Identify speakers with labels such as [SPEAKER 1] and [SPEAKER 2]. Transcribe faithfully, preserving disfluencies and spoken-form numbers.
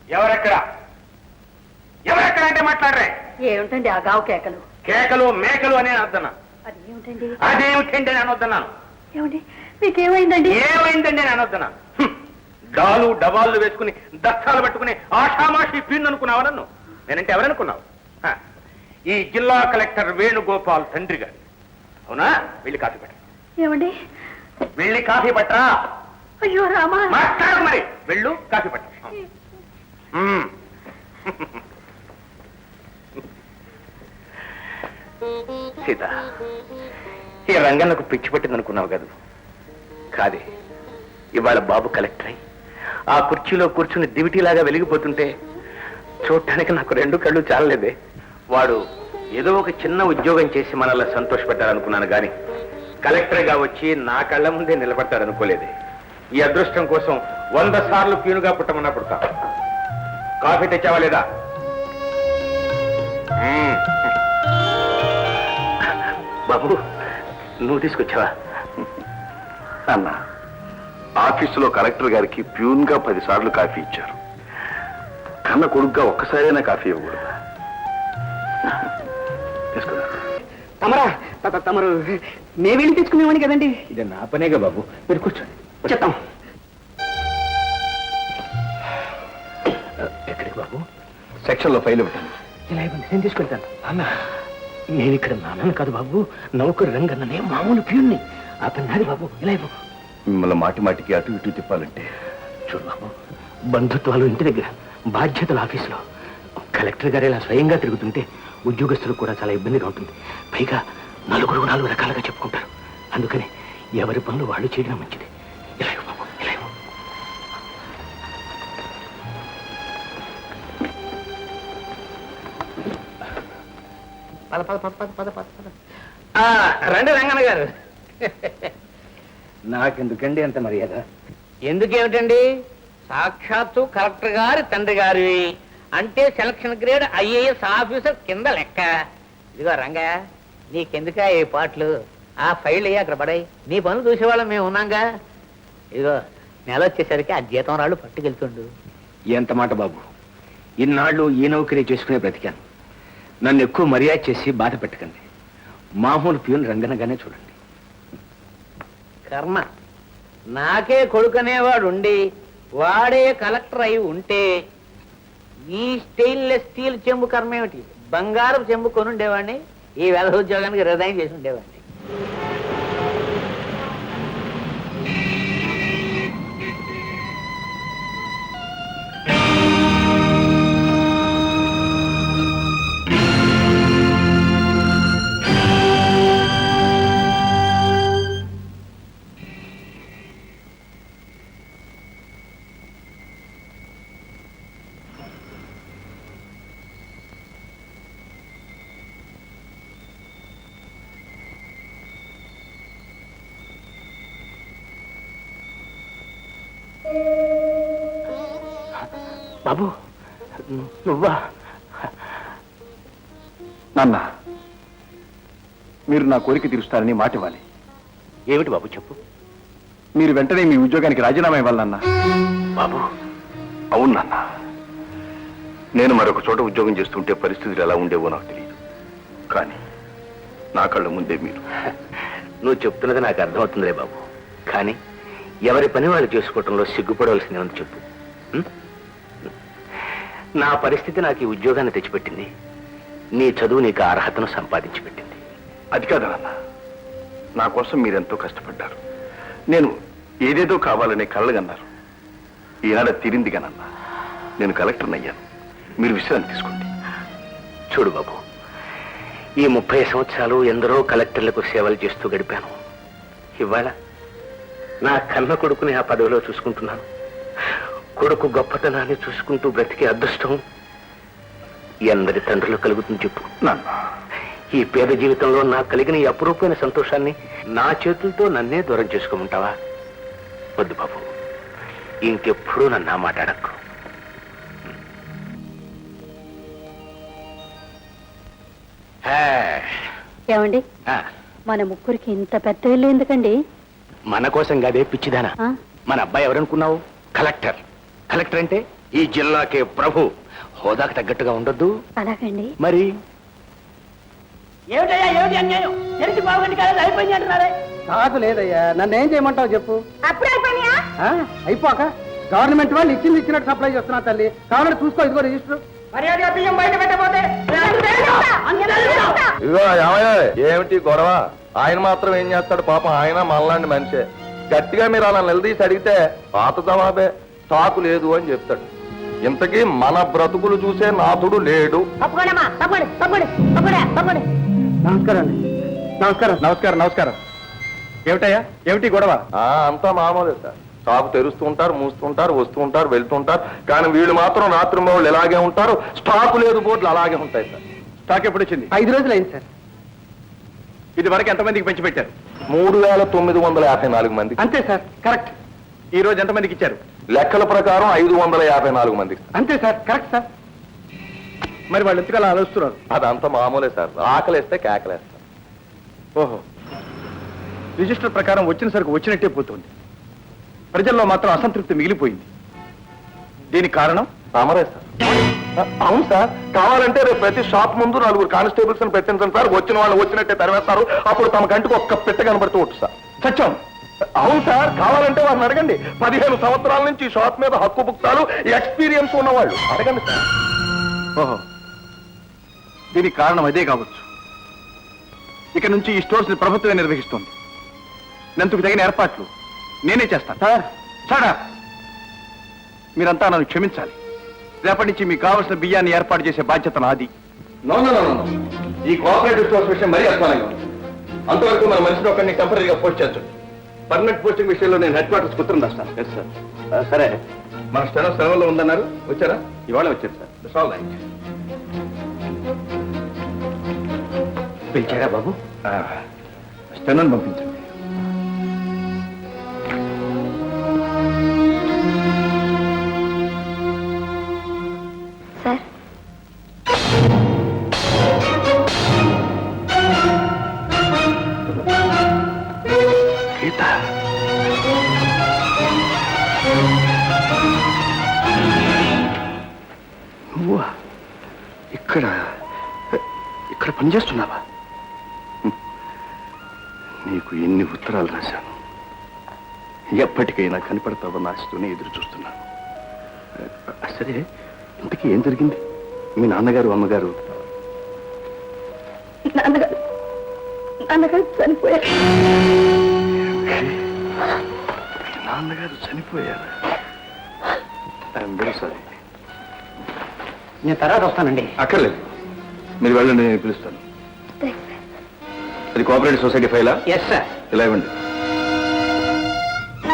[SPEAKER 1] ఎవరెక్కడ ఎవరెక్కడ అంటే మాట్లాడరే?
[SPEAKER 2] ఏమిటండి ఆ గావు కేకలు?
[SPEAKER 1] కేకలు మేకలు అని అర్థనా?
[SPEAKER 2] అదేమిటండి
[SPEAKER 1] అదేమిటండి అని అనొద్దన్నాను.
[SPEAKER 2] ఏమండి మీకేమైందండి?
[SPEAKER 1] ఏమైందండి అని అనొద్దన్నాను. డాలు డబాళ్ళు వేసుకుని దస్తాలు పట్టుకుని ఆషామాషి పీన్ అనుకున్నావా నన్ను? నేనంటే ఎవరనుకున్నావు? ఈ జిల్లా కలెక్టర్ వేణుగోపాల్ తండ్రి గారు. అవునా? వెళ్ళి కాఫీ పట్ట.
[SPEAKER 2] ఏమండి?
[SPEAKER 1] వెళ్ళి కాఫీ పట్టరా.
[SPEAKER 2] అయ్యో రామా,
[SPEAKER 1] మాట్లాడు మరి. వెళ్ళు కాఫీ పట్ట. సీత, ఈ రంగన్నకు పిచ్చి పట్టింది అనుకున్నావు కదా? కాదే, ఇవాళ బాబు కలెక్టర్ అయి ఆ కుర్చీలో కూర్చుని దివిటీలాగా వెలిగిపోతుంటే చూడటానికి నాకు రెండు కళ్ళు చాలలేదే. వాడు ఏదో ఒక చిన్న ఉద్యోగం చేసి మనల్ని సంతోషపెట్టాలనుకున్నాను కానీ కలెక్టర్గా వచ్చి నా కళ్ళ ముందే నిలబడతాడనుకోలేదే. ఈ అదృష్టం కోసం వంద సార్లు పీనుగా పుట్టమన్నా పుడతా. కాఫీ తెచ్చావా లేదా? బాబు, నువ్వు తీసుకొచ్చావా?
[SPEAKER 3] అన్న, ఆఫీసులో కలెక్టర్ గారికి ప్యూన్ గా పది సార్లు కాఫీ ఇచ్చారు. కన్న కొడుకుగా ఒక్కసారైనా కాఫీ ఇవ్వకూడదు.
[SPEAKER 4] తమరా తమరు మే వెళ్ళి తెచ్చుకునేవాడిని కదండి.
[SPEAKER 1] ఇది నా పనేగా బాబు, మీరు కూర్చోండి.
[SPEAKER 4] చెప్తాం.
[SPEAKER 1] ఎక్కడికి బాబు?
[SPEAKER 3] సెక్షన్ లో ఫైల్ ఇవ్వండి.
[SPEAKER 1] ఇలా ఇవ్వండి, నేను తీసుకెళ్తాను. అన్న, నేను ఇక్కడ నాన్నను కాదు బాబు, నౌకరు రంగన్ననే, మామూలు ప్యూన్ని. ఆ పని నాది బాబు, ఇలా ఇవ్వు.
[SPEAKER 3] మిమ్మల్ని మాటి మాటికి అటు ఇటు తిప్పాలంటే
[SPEAKER 1] చూడు బాబు, బంధుత్వాలు ఇంటి దగ్గర, బాధ్యతలు ఆఫీసులో. కలెక్టర్ గారు ఇలా స్వయంగా తిరుగుతుంటే ఉద్యోగస్తులకు కూడా చాలా ఇబ్బందిగా ఉంటుంది. పైగా నలుగురు నాలుగు రకాలుగా చెప్పుకుంటారు. అందుకని ఎవరి పనులు వాళ్ళు చేయడం మంచిది. ఇలా ఇవ్వు బాబు, ఇలా ఇవ్వు.
[SPEAKER 4] పద పద పద పద పద పద పద.
[SPEAKER 1] రండి రంగన్న గారు. నాకెందుకండి అంత మర్యాద?
[SPEAKER 4] ఎందుకేమిటండి, సాక్షాత్తు కలెక్టర్ గారి తండ్రి గారి అంటే సెలక్షన్ గ్రేడ్ ఐఏఎస్ ఆఫీసర్ కింద లెక్క. ఇదిగో రంగా, నీకెందుకా ఏ పాటలు? ఆ ఫైల్ అయ్యి అక్కడ పడాయి. నీ పనులు చూసేవాళ్ళం మేము ఉన్నాంగా. ఇదిగో నెల వచ్చేసరికి ఆ జీతం రాళ్ళు పట్టుకెళ్తుండు.
[SPEAKER 1] ఎంత మాట బాబు, ఇన్నాళ్ళు ఈ నౌకరీ చేసుకునే బ్రతికాను. నన్ను ఎక్కువ మర్యాద చేసి బాధ పెట్టకండి. మామూలు ప్యూన్ రంగనగానే చూడండి.
[SPEAKER 4] కర్మ, నాకే కొడుకనేవాడు ఉండి వాడే కలెక్టర్ అయి ఉంటే ఈ స్టెయిన్లెస్ స్టీల్ చెంబు కర్మ ఏమిటి? బంగారం చెంబు కొని ఉండేవాడిని, ఈ వేద ఉద్యోగానికి రిజైన్ చేసి ఉండేవాడిని.
[SPEAKER 1] బాబు, నువ్వా?
[SPEAKER 3] నాన్న, మీరు నా కోరిక తీరుస్తారని మాట ఇవ్వాలి.
[SPEAKER 1] ఏమిటి బాబు చెప్పు.
[SPEAKER 3] మీరు వెంటనే మీ ఉద్యోగానికి రాజీనామా ఇవ్వాలన్నా.
[SPEAKER 1] బాబు,
[SPEAKER 3] అవును నాన్న, నేను మరొక చోట ఉద్యోగం చేస్తుంటే పరిస్థితులు ఎలా ఉండేవో నాకు తెలియదు. కానీ నా కళ్ళ ముందే మీరు.
[SPEAKER 1] నువ్వు చెప్తున్నది నాకు అర్థమవుతుందిలే బాబు. కానీ ఎవరి పని వాళ్ళు చేసుకోవటంలో సిగ్గుపడవలసిందే ఉంది చెప్పు. నా పరిస్థితి నాకు ఈ ఉద్యోగాన్ని తెచ్చిపెట్టింది. నీ చదువు నీకు అర్హతను సంపాదించి పెట్టింది.
[SPEAKER 3] అది కాదు నాన్న, నా కోసం మీరెంతో కష్టపడ్డారు. నేను ఏదేదో కావాలనే కళ్ళగన్నారు. ఈనాడ తీరిందిగానన్నా నేను కలెక్టర్ని అయ్యాను. మీరు విశ్రాంతి తీసుకోండి.
[SPEAKER 1] చూడు బాబు, ఈ ముప్పై సంవత్సరాలు ఎందరో కలెక్టర్లకు సేవలు చేస్తూ గడిపాను. ఇవాళ నా కన్న కొడుకుని ఆ పదవిలో చూసుకుంటున్నాను. కొడుకు గొప్పతనాన్ని చూసుకుంటూ బ్రతికే అదృష్టం ఎందరి తండ్రులు కలుగుతుంది చెప్పు.
[SPEAKER 3] నాన్న,
[SPEAKER 1] ఈ పేద జీవితంలో నాకు కలిగిన ఈ అపురూపమైన సంతోషాన్ని నా చేతులతో నన్నే దూరం చేసుకోమంటావా? వద్దు బాబు, ఇంకెప్పుడూ నన్ను ఆ మాట అడక్కు.
[SPEAKER 2] ఏమండి, మన ముగ్గురికి ఇంత పెద్ద ఇల్లు ఎందుకండి?
[SPEAKER 1] మన కోసం కాదే పిచ్చిదానా.
[SPEAKER 2] ఆ?
[SPEAKER 1] మన అబ్బాయి ఎవరనుకున్నావు? కలెక్టర్. కలెక్టర్ అంటే ఈ జిల్లాకే ప్రభు. హోదాకు తగ్గట్టుగా ఉండొద్దు
[SPEAKER 2] అలాగండి.
[SPEAKER 1] మరి.
[SPEAKER 4] ఏమిటయ్యా ఏమిటి అన్యాయం? తెలిసి బాగుంది కదా అయిపోయింది అంటున్నారే.
[SPEAKER 5] కాదు లేదయ్యా, నన్ను ఏం చేయమంటావు చెప్పు.
[SPEAKER 2] అప్పుడే అయిపోయినా
[SPEAKER 5] ఆ, అయిపోక గవర్నమెంట్ వాళ్ళు ఇచ్చింది ఇచ్చినట్టు సప్లై చేస్తున్నా తల్లి. కావాలంటే చూసుకో, ఇదిగో రిజిస్టర్.
[SPEAKER 4] మర్యాదగా బియ్యం బయట పెట్టబోతే
[SPEAKER 3] ఇదిగో ఏమయ్య, ఏమిటి గొడవ? ఆయన మాత్రం ఏం చేస్తాడు పాపం, ఆయన మనలాంటి మనిషే. గట్టిగా మీరు అలా నిలదీసి అడిగితే పాత జవాబే, స్టాకు లేదు అని చెప్తాడు. ఇంతకీ మన బ్రతుకులు చూసే నాథుడు లేడు.
[SPEAKER 5] నమస్కారం అండి. నమస్కారం నమస్కారం నమస్కారం. ఏమిటయ్యా, ఏమిటి గొడవ?
[SPEAKER 3] ఆ అంతా మామూలే సార్. స్టాక్ తెరుస్తూ ఉంటారు, మూస్తూ ఉంటారు, వస్తూ ఉంటారు, వెళ్తూ ఉంటారు. కానీ వీళ్ళు మాత్రం రాత్రి వాళ్ళు ఇలాగే ఉంటారు. స్టాకు లేదు బోర్డులు అలాగే ఉంటాయి సార్.
[SPEAKER 5] స్టాక్ ఎప్పుడు వచ్చింది? ఐదు రోజులు అయింది సార్. ఇది వరకు ఎంతమందికి పెంచి పెట్టారు?
[SPEAKER 3] మూడు వేల తొమ్మిది వందల యాభై నాలుగు మంది.
[SPEAKER 5] అంతే సార్, కరెక్ట్. ఈ రోజు ఎంతమందికి ఇచ్చారు?
[SPEAKER 3] లెక్కల ప్రకారం ఐదు వందల యాభై నాలుగు మంది.
[SPEAKER 5] అంతే సార్, కరెక్ట్ సార్. మరి వాళ్ళు ఎందుకు అలా ఆలోచిస్తున్నారు?
[SPEAKER 3] అదంతా మామూలే సార్. ఆకలేస్తే కేకలేస్తారు.
[SPEAKER 5] ఓహో, రిజిస్టర్ ప్రకారం వచ్చిన సరుకు వచ్చినట్టే పోతుంది. ప్రజల్లో మాత్రం అసంతృప్తి మిగిలిపోయింది. దీనికి కారణం
[SPEAKER 3] తమరే సార్. అవును సార్, కావాలంటే రేపు ప్రతి షాప్ ముందు నలుగురు కానిస్టేబుల్స్ పెట్టించండి సార్. వచ్చిన వాళ్ళు వచ్చినట్టే తరివేస్తారు. అప్పుడు తమ కంటికి ఒక్క పెట్ట కనబడుతూ వచ్చు సార్.
[SPEAKER 5] సత్యం.
[SPEAKER 3] అవును సార్, కావాలంటే వారిని అడగండి. పదిహేను సంవత్సరాల నుంచి ఈ షాప్ మీద హక్కు పుక్తాలు ఎక్స్పీరియన్స్ ఉన్నవాళ్ళు అడగండి సార్.
[SPEAKER 5] ఓహో, దీనికి కారణం అదే కావచ్చు. ఇక నుంచి ఈ స్టోర్స్ ని ప్రభుత్వమే నిర్వహిస్తోంది. నందుకు తగిన ఏర్పాట్లు నేనే చేస్తాను. సార్ సాడా, మీరంతా నన్ను క్షమించాలి. రేపటి నుంచి మీకు కావలసిన బియ్యాన్ని ఏర్పాటు చేసే బాధ్యత నాది.
[SPEAKER 3] No no no no. ఈ కోఆపరేటివ్ స్టోర్స్ విషయం మరీ అస్మానంగా ఉంది. అంతవరకు మన మనిషిని ఒకరిని టెంపరీగా పోస్ట్ చేస్తుంది. పర్మనెంట్ పోస్టింగ్ విషయంలో నేను హెడ్ క్వార్టర్స్ ఉత్తరం రాస్తాను. Yes sir. సరే, మన స్టెనో సెలవుల్లో ఉందన్నారు, వచ్చారా?
[SPEAKER 5] ఇవాళ వచ్చారు సార్.
[SPEAKER 3] It's all right.
[SPEAKER 5] పిలిచారా బాబు? స్టెనోని పంపించండి.
[SPEAKER 2] సార్,
[SPEAKER 3] గీత,
[SPEAKER 5] నువ్వా? ఇక్కడ ఇక్కడ పనిచేస్తున్నావా? నీకు ఎన్ని ఉత్తరాలు రాశాను. ఎప్పటికైనా కనపడతావని ఆశతోనే ఎదురు చూస్తున్నాను. సరే, ఇంతకీ ఏం జరిగింది? మీ నాన్నగారు అమ్మగారు
[SPEAKER 2] నాన్నగారు నాన్నగారు చనిపోయారు.
[SPEAKER 5] మీ నాన్నగారు చనిపోయారు. I'm very sorry.
[SPEAKER 4] నేను తర్వాత వస్తానండి.
[SPEAKER 3] అక్కర్లేదు, మీరు వెళ్ళండి, నేను పిలుస్తాను.
[SPEAKER 2] Thanks sir.
[SPEAKER 3] అది కోఆపరేటివ్ సొసైటీ ఫైలా?
[SPEAKER 4] Yes sir.
[SPEAKER 3] ఇలా ఇవ్వండి.